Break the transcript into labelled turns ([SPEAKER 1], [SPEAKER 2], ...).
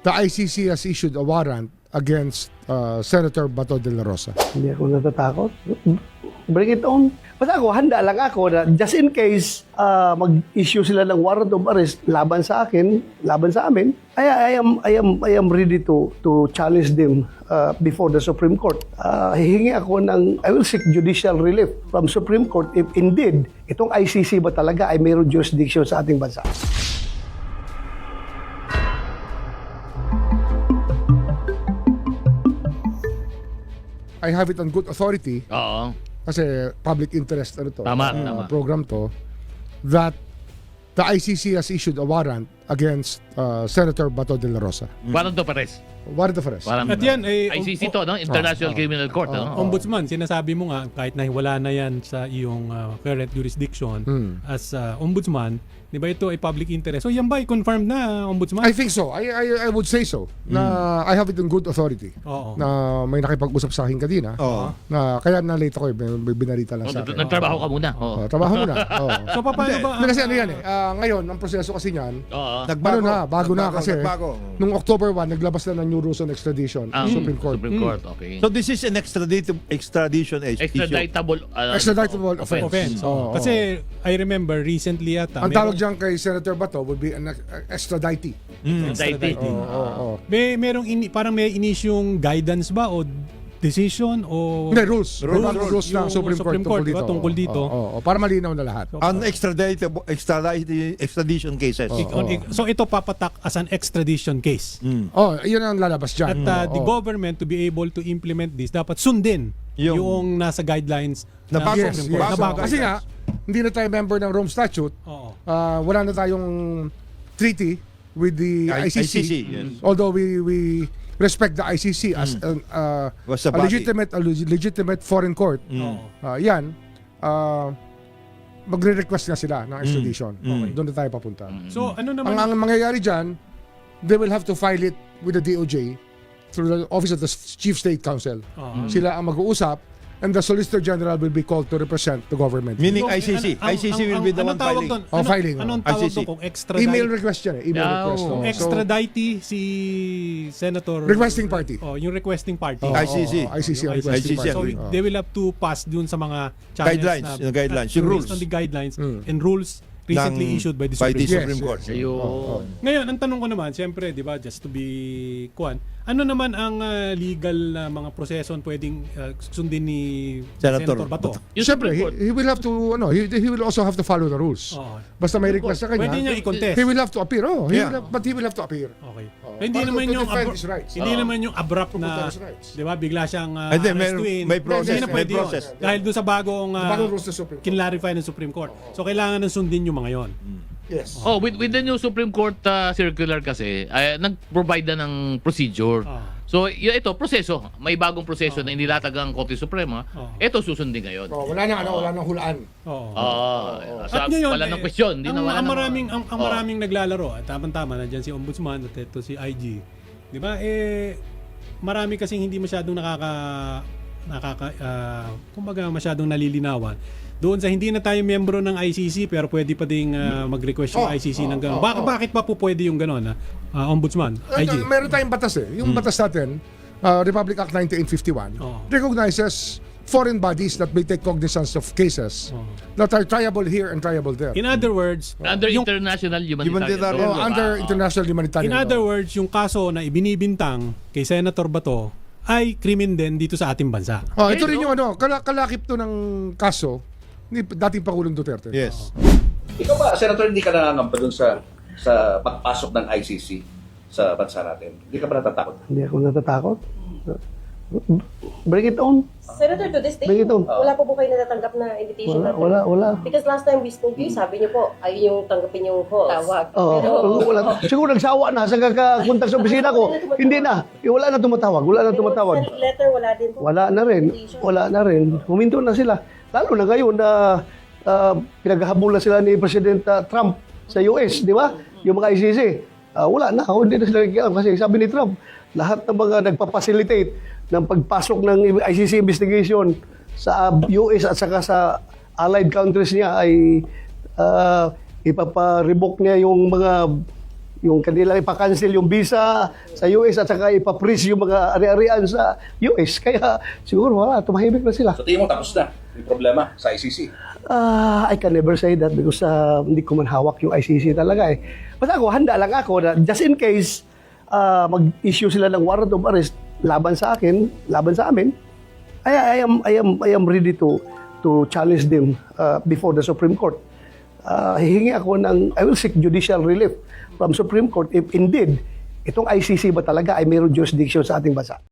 [SPEAKER 1] the ICC has issued a warrant against Senator Bato de la Rosa.
[SPEAKER 2] Hindi ako natatakot. Bring it on. Basta ako, handa lang ako na just in case mag-issue sila ng warrant of arrest laban sa akin, laban sa amin, I am ready to challenge them before the Supreme Court. Hihingi ako I will seek judicial relief from Supreme Court if indeed itong ICC ba talaga ay mayroong jurisdiction sa ating bansa.
[SPEAKER 1] I have it on good authority
[SPEAKER 3] Oo.
[SPEAKER 1] kasi public interest
[SPEAKER 3] Tama, tama.
[SPEAKER 1] program to, that the ICC has issued a warrant against Senator Bato de la Rosa.
[SPEAKER 3] Warrant of arrest.
[SPEAKER 1] Warrant of arrest.
[SPEAKER 3] Warrant
[SPEAKER 4] At yan,
[SPEAKER 3] ICC to, no? International Criminal Court, no?
[SPEAKER 4] Ombudsman, sinasabi mo nga, kahit na wala na yan sa iyong current jurisdiction as ombudsman, di ba ito ay public interest? So yan ba, confirmed na ombudsman?
[SPEAKER 1] I think so. I would say so. Na I have it on good authority.
[SPEAKER 4] Oo.
[SPEAKER 1] Na may nakipag-usap sa akin kanina. Na kaya na-late ako may binarita lang sa akin.
[SPEAKER 3] Nagtrabaho ka muna. Oo.
[SPEAKER 1] Trabaho muna.
[SPEAKER 4] So paano ba?
[SPEAKER 1] Kasi ano yan ngayon, ang proseso kasi niyan,
[SPEAKER 3] Oo.
[SPEAKER 1] bago na kasi nung October 1, naglabas na ng new rules on extradition
[SPEAKER 3] Ang
[SPEAKER 1] Supreme Court.
[SPEAKER 3] Supreme Court, okay.
[SPEAKER 5] So this is an extradition issue.
[SPEAKER 3] Extraditable
[SPEAKER 1] Extraditable offense.
[SPEAKER 4] Offense.
[SPEAKER 1] Oo.
[SPEAKER 4] Kasi I remember recently yata,
[SPEAKER 1] Ang tawag dyan kay Senator Bato would be an extradite.
[SPEAKER 3] Extradite.
[SPEAKER 1] Oo.
[SPEAKER 4] merong parang may inisyong guidance ba o decision o
[SPEAKER 1] Hindi, rules ng
[SPEAKER 4] yung
[SPEAKER 1] Supreme Court
[SPEAKER 4] tungkol dito.
[SPEAKER 1] Oo, para malinaw na lahat.
[SPEAKER 5] On extradition cases.
[SPEAKER 4] So ito papatak as an extradition case.
[SPEAKER 1] Yun ang lalabas dyan.
[SPEAKER 4] At the government to be able to implement this, dapat sundin yung nasa guidelines
[SPEAKER 5] Na
[SPEAKER 4] ng
[SPEAKER 5] bago.
[SPEAKER 1] Yes,
[SPEAKER 4] Supreme
[SPEAKER 1] yes.
[SPEAKER 4] Court. Na bago.
[SPEAKER 1] Kasi nga, hindi na tayo member ng Rome Statute.
[SPEAKER 4] Oo.
[SPEAKER 1] Wala na tayong treaty with the ICC.
[SPEAKER 5] yes.
[SPEAKER 1] Although we respect the ICC as
[SPEAKER 5] Was a
[SPEAKER 1] a
[SPEAKER 5] body.
[SPEAKER 1] legitimate foreign court. Yan, magre-request na sila ng extradition. Doon na tayo papunta.
[SPEAKER 4] So ano naman
[SPEAKER 1] Ang mangyayari dyan, they will have to file it with the DOJ through the Office of the Chief State Counsel. Sila ang mag-uusap, and the Solicitor General will be called to represent the government.
[SPEAKER 5] Meaning
[SPEAKER 4] So,
[SPEAKER 5] ICC. ICC will be the one filing.
[SPEAKER 1] Filing.
[SPEAKER 4] Anong tawag
[SPEAKER 5] ICC.
[SPEAKER 4] doon kung extradite?
[SPEAKER 1] Email request yan eh. Email request.
[SPEAKER 4] Kung
[SPEAKER 1] So,
[SPEAKER 4] extradite si Senator
[SPEAKER 1] requesting party.
[SPEAKER 4] yung requesting party.
[SPEAKER 5] ICC.
[SPEAKER 1] ICC ang
[SPEAKER 4] ICC.
[SPEAKER 1] requesting
[SPEAKER 5] ICC.
[SPEAKER 4] So
[SPEAKER 1] party.
[SPEAKER 4] they will have to pass dun sa mga channels
[SPEAKER 5] Guidelines,
[SPEAKER 4] na,
[SPEAKER 5] yung guidelines,
[SPEAKER 4] based
[SPEAKER 5] yung rules.
[SPEAKER 4] on the guidelines and rules recently issued by the Supreme Court.
[SPEAKER 5] Supreme Court.
[SPEAKER 3] Ayun.
[SPEAKER 4] Ngayon, ang tanong ko naman, siyempre, di ba, just to be ano naman ang legal na mga proseso pwedeng sundin ni
[SPEAKER 5] Senator
[SPEAKER 4] Bato?
[SPEAKER 3] Yung
[SPEAKER 1] Siyempre,
[SPEAKER 3] Supreme Court,
[SPEAKER 1] he will have to, he will also have to follow the rules.
[SPEAKER 4] Oo.
[SPEAKER 1] Basta may request sa kanya,
[SPEAKER 4] Pwede niya i-contest.
[SPEAKER 1] he will have to appear.
[SPEAKER 5] Yeah.
[SPEAKER 1] But he will have to appear.
[SPEAKER 4] Okay.
[SPEAKER 1] Oo.
[SPEAKER 4] Hindi
[SPEAKER 1] Para
[SPEAKER 4] naman
[SPEAKER 1] to
[SPEAKER 4] yung
[SPEAKER 1] defend his rights.
[SPEAKER 4] hindi naman yung abrupt
[SPEAKER 1] To
[SPEAKER 4] na,
[SPEAKER 1] protect his rights.
[SPEAKER 4] 'di ba? Bigla siyang
[SPEAKER 5] Hindi,
[SPEAKER 4] arrestuin.
[SPEAKER 5] may process,
[SPEAKER 4] Hindi na
[SPEAKER 5] may
[SPEAKER 4] pwede yun.
[SPEAKER 5] process.
[SPEAKER 4] Dahil doon sa bagong
[SPEAKER 1] Bagong rules ng Supreme Court.
[SPEAKER 4] kinlarify ng Supreme Court. So kailangan ng sundin yung mga 'yon.
[SPEAKER 1] Yes.
[SPEAKER 3] with the new Supreme Court circular kasi, nag-provide na ng procedure. So, ito, proseso. May bagong proseso na inilatag ang Korte Suprema. Ito susundin ngayon.
[SPEAKER 1] Wala nang hulaan.
[SPEAKER 4] Oo.
[SPEAKER 3] Sa wala ng question. Hindi na wala
[SPEAKER 4] ang
[SPEAKER 3] ng-
[SPEAKER 4] maraming ang maraming naglalaro at tama-tama nandiyan si Ombudsman at ito si IG. 'Di ba? Marami kasing hindi masyadong kumbaga masyadong nalilinawan. Doon sa hindi na tayo miyembro ng ICC pero pwede pa ding mag-request yung ICC ng gano'n. Bakit pa po pwede yung gano'n? Ombudsman, IG.
[SPEAKER 1] Meron tayong batas eh. Yung batas natin, Republic Act 1951, recognizes foreign bodies that may take cognizance of cases that are triable here and triable there.
[SPEAKER 4] In other words,
[SPEAKER 3] Under international humanitarian
[SPEAKER 5] Humanitarian
[SPEAKER 3] law.
[SPEAKER 1] Under international humanitarian
[SPEAKER 4] in other
[SPEAKER 1] law.
[SPEAKER 4] words, yung kaso na ibinibintang kay Senator Bato ay krimen din dito sa ating bansa.
[SPEAKER 1] Ito rin yung kalakip to ng kaso ni dating Pangulong Duterte.
[SPEAKER 5] Yes.
[SPEAKER 6] Ikaw ba, Senator, hindi ka nangangamba dun sa pagpasok ng ICC sa bansa natin? Hindi ka ba natatakot?
[SPEAKER 2] Hindi ako natatakot. Bring it on.
[SPEAKER 7] Senator, to this day,
[SPEAKER 2] Bring it on.
[SPEAKER 7] wala po kayo natatanggap na invitation natin?
[SPEAKER 2] Wala.
[SPEAKER 7] Because last time we spoke to you, sabi niyo po, ayun yung tanggapin yung tawag.
[SPEAKER 2] Wala. Siguro nagsawa na sa kakakunta sa opisina ko. Hindi na. Wala na tumatawag.
[SPEAKER 7] Send letter, wala din po.
[SPEAKER 2] Wala na rin. Huminto na sila. Lalo na ngayon na pinaghahabulan sila ni President Trump sa US, di ba? Yung mga ICC. Wala na. Hindi na sila kasi sabi ni Trump, lahat ng mga nagpa-facilitate ng pagpasok ng ICC investigation sa US at saka sa allied countries niya ay ipapa-revoke niya yung kanilang ipakancel yung visa sa US at saka ipaprease yung mga ari-arian sa US. Kaya siguro wala, tumahimik na sila.
[SPEAKER 6] So tingin mo tapos na yung problema sa ICC.
[SPEAKER 2] I can never say that because hindi ko man hawak yung ICC talaga eh. Basta ako, handa lang ako na just in case mag-issue sila ng warrant of arrest laban sa akin, laban sa amin, I am ready to challenge them before the Supreme Court. Hihingi ako I will seek judicial relief from Supreme Court if indeed itong ICC ba talaga ay mayroong jurisdiction sa ating bansa.